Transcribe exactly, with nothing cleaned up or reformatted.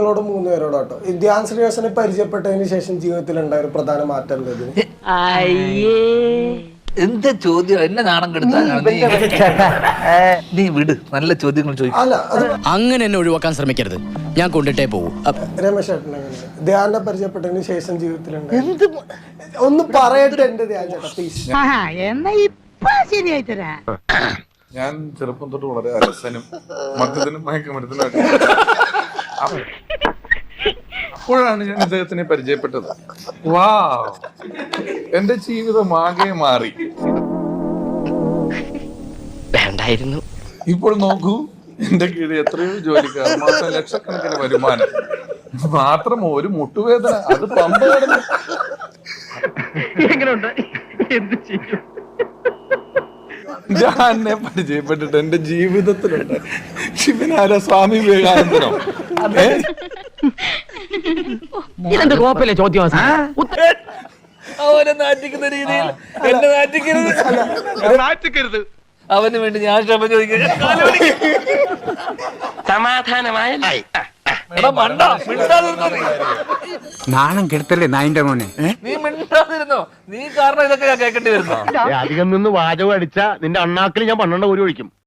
നിങ്ങളോട് മൂന്ന് പേരോട് കേട്ടോ. ധ്യാൻ ശ്രീനിവാസനെ പരിചയപ്പെട്ടതിന് ശേഷം ജീവിതത്തിൽ ഉണ്ടായ ഒരു പ്രധാന മാറ്റം എന്തത്? എന്താ ചോദ്യം? എന്നെ നാണം കെടുത്താനാണ് നീ വിട്. നല്ല ചോദ്യങ്ങൾ ചോദിക്കും. അല്ല അങ്ങനെ എന്നെ ഒഴിവാക്കാൻ ശ്രമിക്കരുത്, ഞാൻ കൊണ്ടിട്ടേ പോകും. രമേശ് ചേട്ടൻ എങ്ങനെ ധ്യാനെ പരിചയപ്പെട്ടതിന് ശേഷം ജീവിതത്തിൽ എന്ത് ഒന്ന് പറയട്ടെ എന്റെ ധ്യാൻ ചേട്ടാ പ്ലീസ്. ഞാൻ ചെറുപ്പം തൊട്ട് വളരെ അലസനും മദ്യത്തിനും മയക്കുമരുത്തിനും അപ്പോഴാണ് ഞാൻ ഇദ്ദേഹത്തിനെ പരിചയപ്പെട്ടത്. വാ, എന്റെ ജീവിതം ആകെ മാറി. വേണ്ടായിരുന്നു. ഇപ്പോൾ നോക്കൂ, എന്റെ കീഴിൽ എത്രയോ ജോലിക്കാർ, മാസം ലക്ഷക്കണക്കിന് വരുമാനം, മാത്രം ഒരു മുട്ടുവേദന, അത് പമ്പ കിടന്നു. ഞാൻ എന്നെ പരിചയപ്പെട്ടിട്ട് എന്റെ ജീവിതത്തിലുണ്ട്. ശിവനാര സ്വാമി വിവേകാനന്ദനോ? ഇതെന്ത് കോപ്പല്ലേ ചോദ്യം? അവനെ നാറ്റിക്കുന്ന രീതിയിൽ എന്നെ നാറ്റിക്കരുത്. അവന് വേണ്ടി ഞാൻ ക്ഷമ ചോദിക്കുക. സമാധാനമായ നാണം കെടുത്തല്ലേ നായിന്റെ മോനെ. നീ മിണ്ടാതിരുന്നോ? നീ കാരണം ഇതൊക്കെ ഞാൻ കേൾക്കേണ്ടി വരുന്നു. അധികം നിന്ന് വാചകം അടിച്ചാ നിന്റെ അണ്ണാക്കിൽ ഞാൻ പന്ത്രണ്ട് ഒരു ഒഴിക്കും.